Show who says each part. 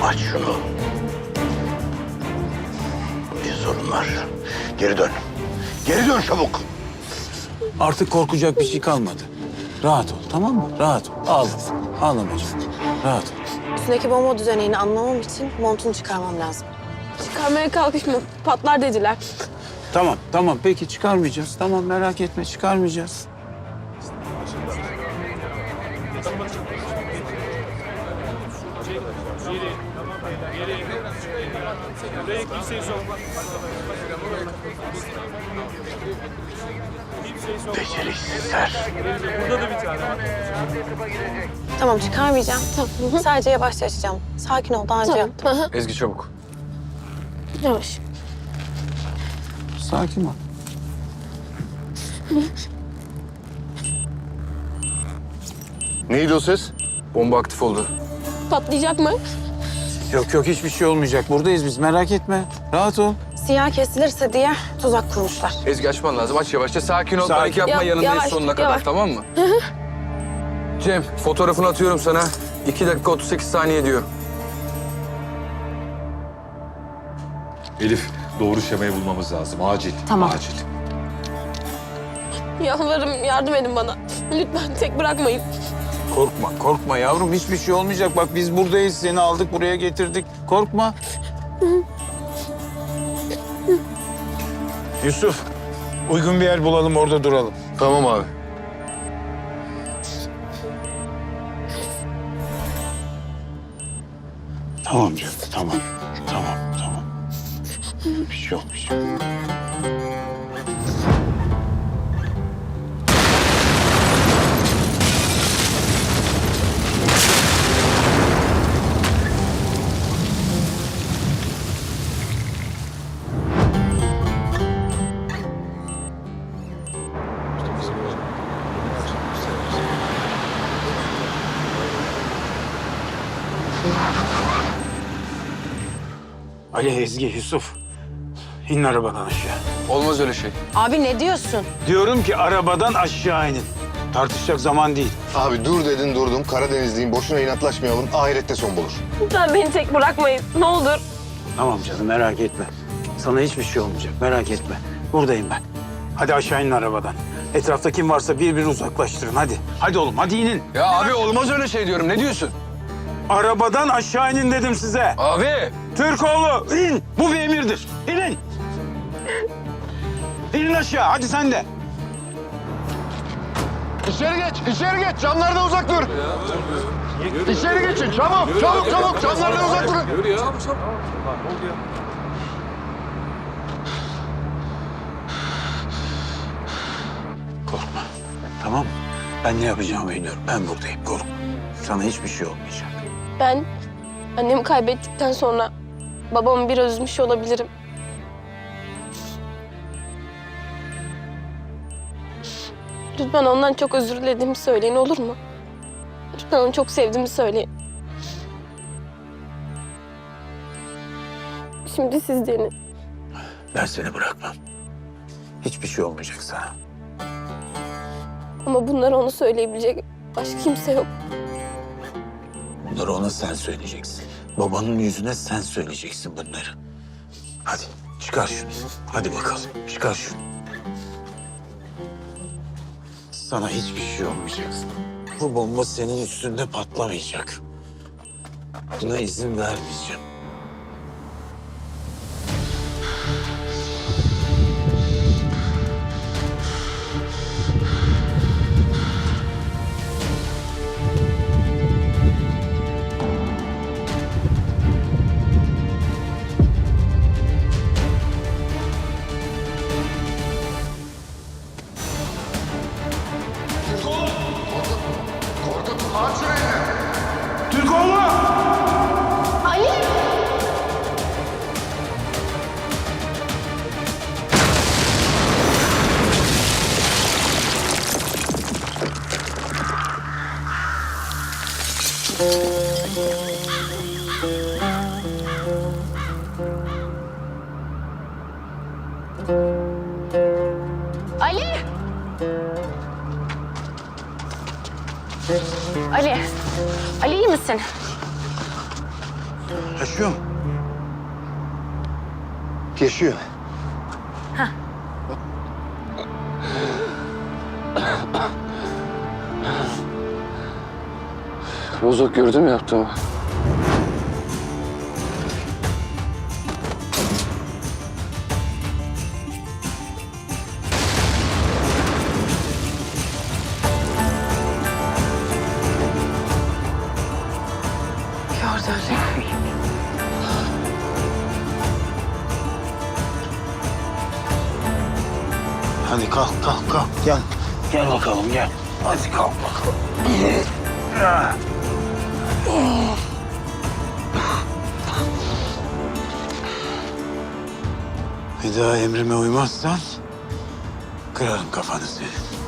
Speaker 1: Aç şunu. Bir sorun var. Geri dön. Geri dön çabuk.
Speaker 2: Artık korkacak bir şey kalmadı. Rahat ol, tamam mı? Rahat ol. Ağlama. Ağlama canım. Rahat ol.
Speaker 3: Üstündeki bomba düzenini anlamam için montunu çıkarmam lazım.
Speaker 4: Çıkarmaya kalkışma. Patlar dediler.
Speaker 2: Tamam, tamam. Peki çıkarmayacağız. Tamam, merak etme, çıkarmayacağız.
Speaker 1: Beceriksizler.
Speaker 3: Tamam çıkarmayacağım. Tamam. Sadece yavaşça açacağım. Sakin ol daha önce yaptım.
Speaker 5: Ezgi çabuk.
Speaker 4: Yavaş.
Speaker 2: Sakin ol.
Speaker 5: Neydi o ses? Bomba aktif oldu.
Speaker 4: Patlayacak mı?
Speaker 2: Yok yok, hiçbir şey olmayacak. Buradayız biz, merak etme. Rahat ol.
Speaker 3: Siyah kesilirse diye tuzak kurmuşlar.
Speaker 5: Ezgi açman lazım. Aç yavaşça. Sakin ol.
Speaker 2: Sakin.
Speaker 5: Panik yapma. Yanındayız
Speaker 4: Yavaş,
Speaker 5: sonuna kadar.
Speaker 4: yavaş.
Speaker 5: Tamam mı? Cem fotoğrafını atıyorum sana. 2 dakika 38 saniye diyor.
Speaker 6: Elif, doğru şemayı bulmamız lazım. Acil.
Speaker 3: Tamam.
Speaker 6: Acil.
Speaker 4: Yalvarırım yardım edin bana. Lütfen tek bırakmayın.
Speaker 2: Korkma, korkma yavrum. Hiçbir şey olmayacak. Bak biz buradayız. Seni aldık, buraya getirdik. Korkma. Yusuf, uygun bir yer bulalım, orada duralım.
Speaker 5: Tamam abi.
Speaker 2: Tamam canım, tamam. Tamam, tamam. Bir şey yok, bir şey yok. Ali, Ezgi, Yusuf. İnin arabadan aşağı.
Speaker 5: Olmaz öyle şey.
Speaker 3: Abi ne diyorsun?
Speaker 2: Diyorum ki arabadan aşağı inin. Tartışacak zaman değil.
Speaker 7: Abi dur dedin durdum. Karadenizliyim. Boşuna inatlaşmayalım. Ahirette son bulur.
Speaker 4: Lütfen beni tek bırakmayın. Ne olur.
Speaker 2: Tamam canım, merak etme. Sana hiçbir şey olmayacak, merak etme. Buradayım ben. Hadi aşağı inin arabadan. Etrafta kim varsa bir uzaklaştırın, hadi. Hadi oğlum, hadi inin.
Speaker 5: Ya abi olmaz öyle şey diyorum. Ne diyorsun?
Speaker 2: Arabadan aşağı inin dedim size.
Speaker 5: Abi.
Speaker 2: Türkoğlu, in. Bu bir emirdir. İnin. İnin aşağı, hadi sen de.
Speaker 7: İçeri geç, içeri geç. Camlardan uzak dur. İçeri geçin. Çabuk, çabuk, çabuk. Camlardan uzak durun.
Speaker 2: Korkma, tamam mı? Ben ne yapacağımı biliyorum, ben buradayım, korkma. Sana hiçbir şey olmayacak.
Speaker 4: Ben annemi kaybettikten sonra babamı biraz üzmüş olabilirim. Lütfen ondan çok özür dilediğimi söyleyin, olur mu? Lütfen onu çok sevdiğimi söyleyin. Şimdi siz denin.
Speaker 2: Ben seni bırakmam. Hiçbir şey olmayacak sana.
Speaker 4: Ama bunları ona söyleyebilecek başka kimse yok.
Speaker 2: Bunları ona sen söyleyeceksin. Babanın yüzüne sen söyleyeceksin bunları. Hadi çıkar şunu. Hadi bakalım, çıkar şunu. Sana hiçbir şey olmayacak. Bu bomba senin üstünde patlamayacak. Buna izin vermeyeceğim. Türkoğlu!
Speaker 4: Ali! Ali! Ali! Ali iyi misin?
Speaker 2: Yaşıyor mu?
Speaker 7: Yaşıyor.
Speaker 5: Rozok gördü mü yaptığımı?
Speaker 2: Hadi kalk kalk kalk. Gel. Gel bakalım gel. Hadi kalk bakalım. Bir daha emrime uymazsan kırarım kafanı senin.